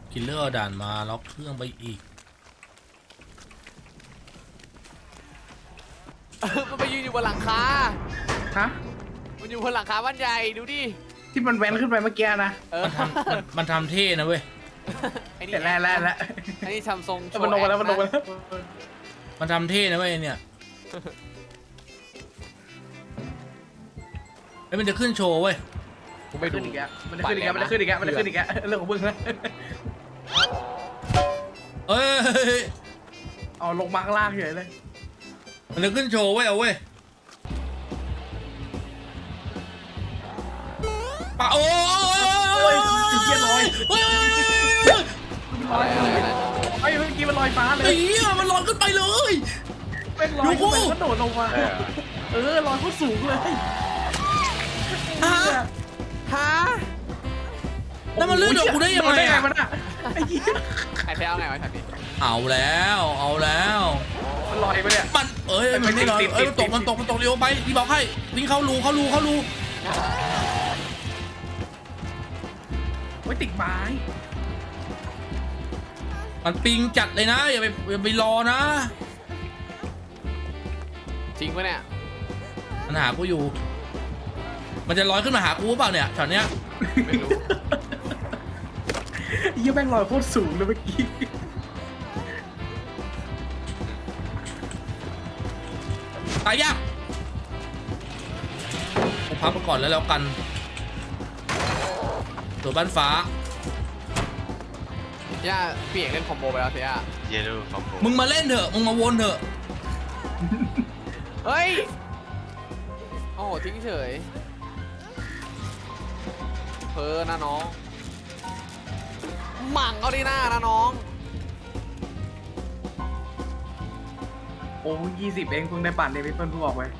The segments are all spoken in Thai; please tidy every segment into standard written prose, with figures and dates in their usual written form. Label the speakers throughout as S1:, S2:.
S1: คิลเลอร์ด่านมาล็อกเครื่องไปอีก
S2: มันไปยืนอยู่บนหลังคา
S3: ฮะ
S2: มันอยู่บนหลังคาบ้านใหญ่ดูดิ
S3: ที่มันแว้นขึ้นไปเมื่อกี้นะ
S1: มันทำเท่นะเว้ย
S2: ไอ้นี่
S3: แต่แล้ว
S2: ไอ้นี่ทำทรงโชว์
S3: มันลงมาแล้วมันลงมาแล้ว
S1: มันทำเท่นะเว้ยเนี่ยไอ้ยมันจะขึ้นโชว์เว้ย
S3: ผมไม่ขึ้นอีกแล้วมันจะขึ้นอีกแล้วมันจะขึ้นอีกแล้วมันจะขึ้นอีกแล้วเรื่องของมึงนะ
S1: เอ้ย
S3: เอาลงมาข้างล่างเฉยเลย
S1: มันจะขึ้นโชว์เว้ยเอาเว้ยปะโอ้ย
S3: เกียร์ลอย
S1: เฮ้ย
S2: อะไร
S3: ไอ้เมื่อกี้มันลอยฟ้าเล
S1: ไอ้
S3: ย
S1: เหี้ยมันลอยขึ้นไปเลย
S3: เป็นลอยขึ้นไปก็โดดลงมาลอยโคตรสูงเลย
S1: ฮะ
S2: ฮะ
S1: แล้วมันลื่นออกกูได้ยังไงอะ
S3: มันอะไอ้เหี้ย
S2: ใครแพ้เอาไงวะแถวนี้
S1: เอาแล้วเอาแล้ว
S3: มันลอยไปเนี่ย
S1: มันมันไม่ลอยมันตกเร็วไปพี่บอกให้วิ่งเข้ารู
S3: ไม่ติดไม้
S1: มันปิงจัดเลยนะอย่าไปรอนะ
S2: จริงปะเนี่ย
S1: มันหากูอยู่ มันจะลอยขึ้นมาหากูเปล่าเนี่ยช็อตเนี้ย
S2: ไม่รู้
S3: ไอ้เหี้ยแม่งลอยโคตรสูงเลยเมื่อกี้
S1: ตายยากกูพับมาก่อนแล้วกันตัวบ้านฟ้า
S2: ย่าเปลี่ยนเล่นคอมโบไปแล้วเสีย
S4: เยลูคอมโบ
S1: มึงมาเล่นเถอะมึงมาวนเถอะ
S2: เฮ้ยโอ้โหทิ้งเฉยเพอนะน้องหมั่งเอาดีหน้านะน้อง
S3: โอ้20เองเพิ่งได้ปั่นเดวิดเพิ่งออกไป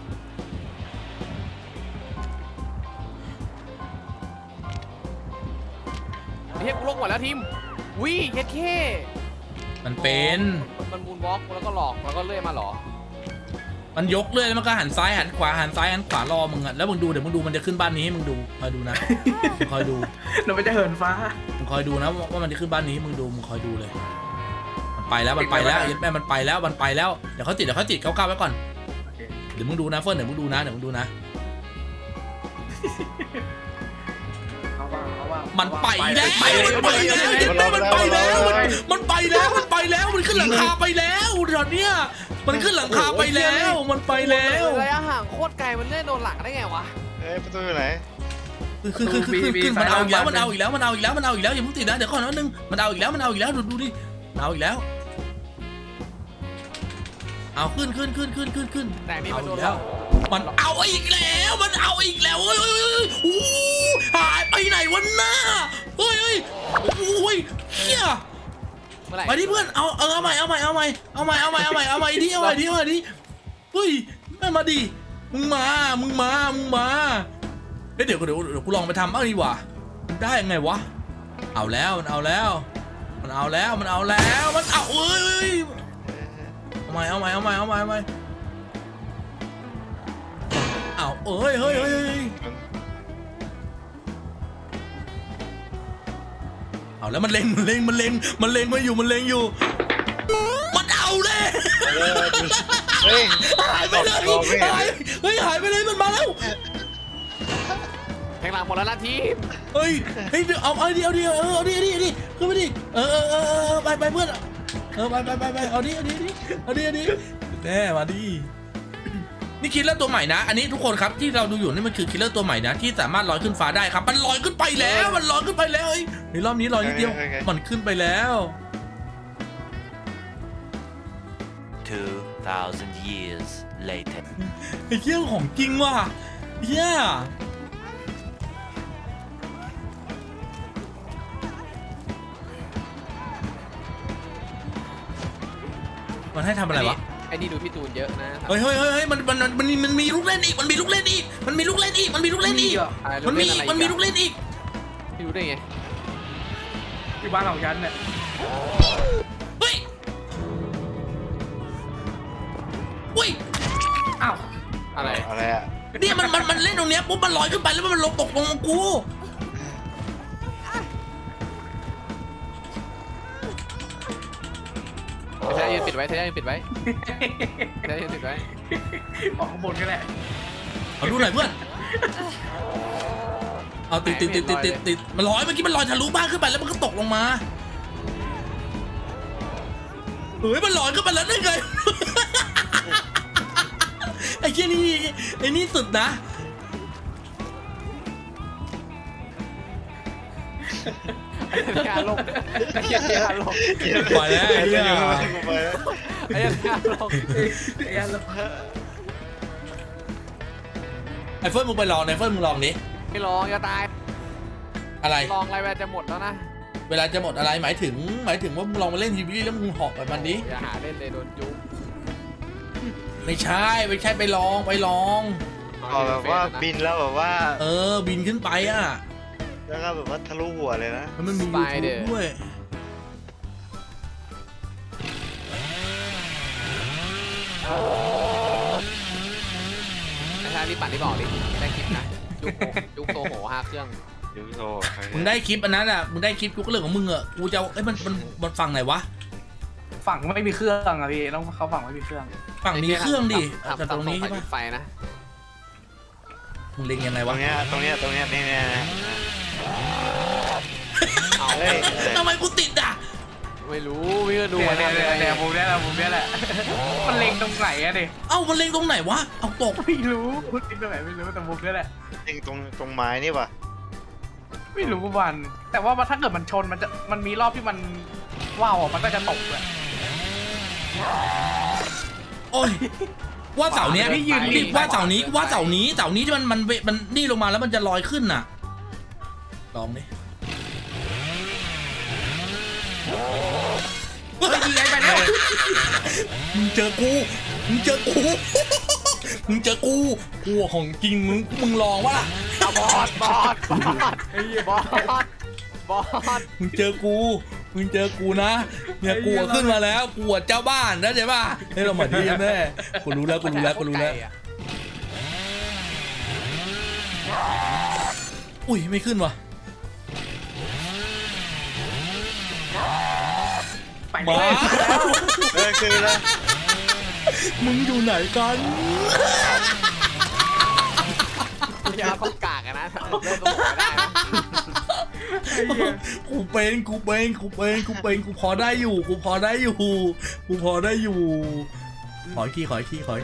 S2: เฮียกูลงหมดแล้วทีมวิเคสเค
S1: มันเป็น
S2: มันบูนบล็อกแล้วก็หลอกแล้วก็เลื่อยมาหรอ
S1: มันยกเลยแล้วมันก็หันซ้ายหันขวาหันซ้ายหันขวารอมึงอะแล้วมึงดูเดี๋ยวมึงดูมันจะขึ้นบ้านนี้ให้มึงดูคอยดูนะมึงคอยดู
S3: เราไม่จะเหินฟ้า
S1: มึงคอยดูนะว่ามันจะขึ้นบ้านนี้มึงดูมึงคอยดูเลย มันไปแล้วยัดแม่มันไปแล้วเดี๋ยวเขาติดเขาก้าวไว้ก่อนเดี๋ยวมึงดูนะเฟิร์นเดี๋ยวมึงดูนะมันไปแล้วมันขึ้นหลังคาไปแล้วตอนเนี้ยมันขึ้นหลังคาไปแล้วมันไปแล้ว
S2: ระยะห่างโคตรไกลมันเลื่อนโดนหลังได้ไงวะ
S4: เอ้ยประตูอยู่ไหน
S1: ขึ้นมันเอาอีกแล้วอย่าเพิ่งติดนะเดี๋ยวก่อนนึงมันเอาอีกแล้วดูดิมันเอาอีกแล้วเอาขึ้น
S2: แต่นี่มันโดน
S1: แล้วมันเอาอีกแล้วหายไปไหนวะหน้าเฮ้ยเฮีย
S2: เมื่อไหร่
S1: ไปดิเพื่อนเอาใหม่ดิเฮ้ยไม่มาดิมึงมาเดี๋ยวกูลองไปทำบ้างดีกว่าได้ยังไงวะเอาแล้วมันเอาเอ้ยเอาใหม่เอาเอ้ยเอาแล้วมันเล็งมาอยู่มันเอาเลย
S4: เฮ้ย
S1: หายไปเลยหายไปเลยมันมาแล้ว
S2: แทงหลังหมดแล้วนะทีม
S1: เฮ้ยเอาดิขึ้นไปดิไปเพื่อนไปเอาดิแน่มาดินี่คิลเลอร์ตัวใหม่นะอันนี้ทุกคนครับที่เราดูอยู่นี่มันคือคิลเลอร์ตัวใหม่นะที่สามารถลอยขึ้นฟ้าได้ครับมันลอยขึ้นไปแล้วเฮ้ยในรอบนี้ลอยนิดเดียวมันขึ้นไปแล้ว
S5: 2,000 years later
S1: ไอ้เหี้ยของจริงว่ะเหี้ยมันให้ทำอะไรวะ
S2: ไอ้นี่ดูพี่ตูนเยอะนะ
S1: เฮ้ยมันมีลูกเล่นอีกมันมีลูกเล่นอีก
S2: มีลูกเล่นอีก
S1: พี่รู้ได้ไง
S3: ที่บ้านของฉันเนี่ย
S1: เฮ้ยอุ้ย
S3: อ้าว
S2: อะไร
S4: อะ
S1: เนี่ยมันเล่นตรงเนี้ยปุ๊บมันลอยขึ้นไปแล้วมันลงตกลงกู
S2: เธอยืนปิดไว้เธอยืนปิดไว้เธอยืนปิดไว้
S3: ออกข้างบนก็แหละ
S1: เอาดูหน่อยเพื่อนเอาติดมันลอยเมื่อกี้มันลอยทะลุบ้านขึ้นไปแล้วมันก็ตกลงมาเฮ้ยมันลอยขึ้นไปแล้วได้ไง ไอ้เชี่ยนี่ไอ้นี่สุดนะ
S2: ยาลงยาลง
S1: ปล่อยแล้วไอ้เหี้ย
S4: ไปแล้ว
S2: ไอ้ยาลง
S3: ไอ้ยันละ
S1: ไอ้เฟิร์นมึงไปลองไอ้เฟิร์นมึงลองดิ
S2: ไม่ลองอย่าตาย
S1: อะไร
S2: ลองอะไรแวจะหมดแล้วนะ
S1: เวลาจะหมดอะไรหมายถึงว่ามึงลองมาเล่นทีวีแล้วมึงเหอกแบบมันดิ
S2: อย่าหาเล่นเลยโดนจุ๊บ
S1: ไม่ใช่ไปลอง
S4: เอาแบบว่าบินแล้วแบบว่า
S1: บินขึ้นไปอ่ะ
S4: แล้วก็แบบว่าทะลุหัวเลยนะ
S1: แล้วมันมียูทูบด้วย
S2: ไม่ใช่รีบปั่นรีบบอกดิได้คลิปนะจุ๊บโซโห5เครื่อง
S4: ยูโซ
S1: มึงได้คลิปอันนั้นอ่ะมึงได้คลิปกูก็เรื่องของมึงอ่ะกูจะเอามันฝั่งไหนวะ
S3: ฝั่งไม่มีเครื่องอะพี่ต้องเขาฝั่งไม่มีเครื่อง
S1: ฝั่งมีเครื่องดิแต่ตรงนี้
S2: ใช่
S1: ใช่ปะ
S2: ไฟนะ
S1: มึงเล็งยังไง
S4: ตร
S1: วะ
S4: งเนี้ยนี่เนี่ย
S2: เอา
S4: เฮ้ย
S1: ทำไมกูติดอ่ะ
S2: ไม่รู้พี่ก็ดู
S3: เนี่ยมุมเนี้ยแหละมุมเนี้ยแหละมันเล็งตรงไหนอะดิ
S1: เอ้ามันเล็งตรงไหนวะเอาตก
S3: ไม่รู้พูดจริงตรงไหนไม่รู้แต่มุมเนี้ยแหละ
S4: จริงตรงไม้นี่ป่ะ
S3: ไม่รู้วันแต่ว่าถ้าเกิดมันชนมันมีรอบที่มันว้าวมันก็จะตกเลย
S1: โอ้ยว่าเสาเนี้ย
S3: พี่ยืน
S1: ว่าเสานี้ที่มันนี่ลงมาแล้วมันจะลอยขึ้นน่ะลองดิ
S3: เฮ้ยยิงไงไปแล้ว
S1: มึงเจอกูกูของจริงมึงลองวะล่ะ
S2: บอส
S1: มึงเจอกูนะเนี่ยกูขึ้นมาแล้วกูเจ้าบ้านนะใช่ป่ะให้เรามาดีแน่กูรู้แล้วอุ้ยไม่ขึ้นว่ะ
S3: ไป
S1: มา
S4: คือแล้ว
S1: มึงอยู่ไหนกัน
S2: อย่าต้องกากนะเล่นต้องไม่ได้นะ
S1: กูพอได้อยู่ขออีกที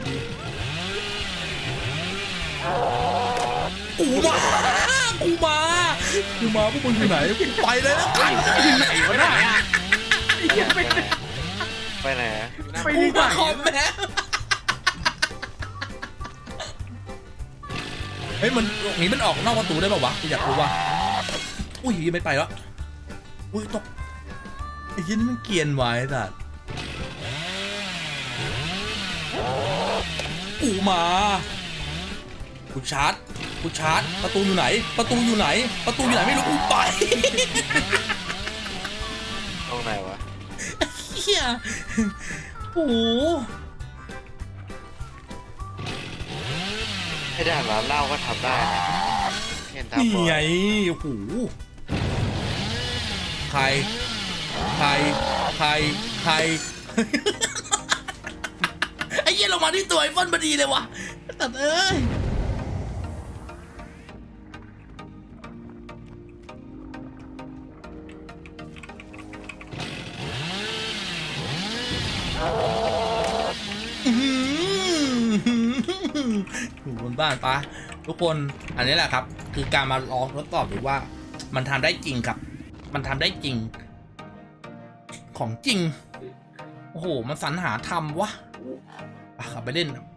S1: กูมาพวกมึงอยู่ไหนไปเลยนะ
S3: ไหนวะเนี่ย
S4: ไปไหน
S3: ไป
S1: กู
S3: ที่ไหน
S1: มาคอมแม่เฮ้ยมันหนีมันออกนอกประตูได้ป่าวะกูอยากรู้ว่าอุ้ยไม่ไปแล้วอุ้ยตกไอ้ยี่นี่มันเกรียนไว้สัตว์กูมากูชาร์จประตูอยู่ไหนไม่รู้กูไป
S4: ตรงไหนวะ
S1: เฮียโอ้โห
S4: ให้ด่านร้านเหล้าก็ทำได้นะเห็นทำ
S1: นี่
S4: บ่อย
S1: ไงโอ้โหใคร ไอ้เหี้ยลงมาที่ตัวไอ้ฟอนพอดีเลยวะตัดเอ้ยอยู่บนบ้านปะทุกคนอันนี้แหละครับคือการมาลองทดสอบดูว่ามันทำได้จริงครับมันทำได้จริงของจริงโอ้โหมันสรรหาทำวะขับไปเล่น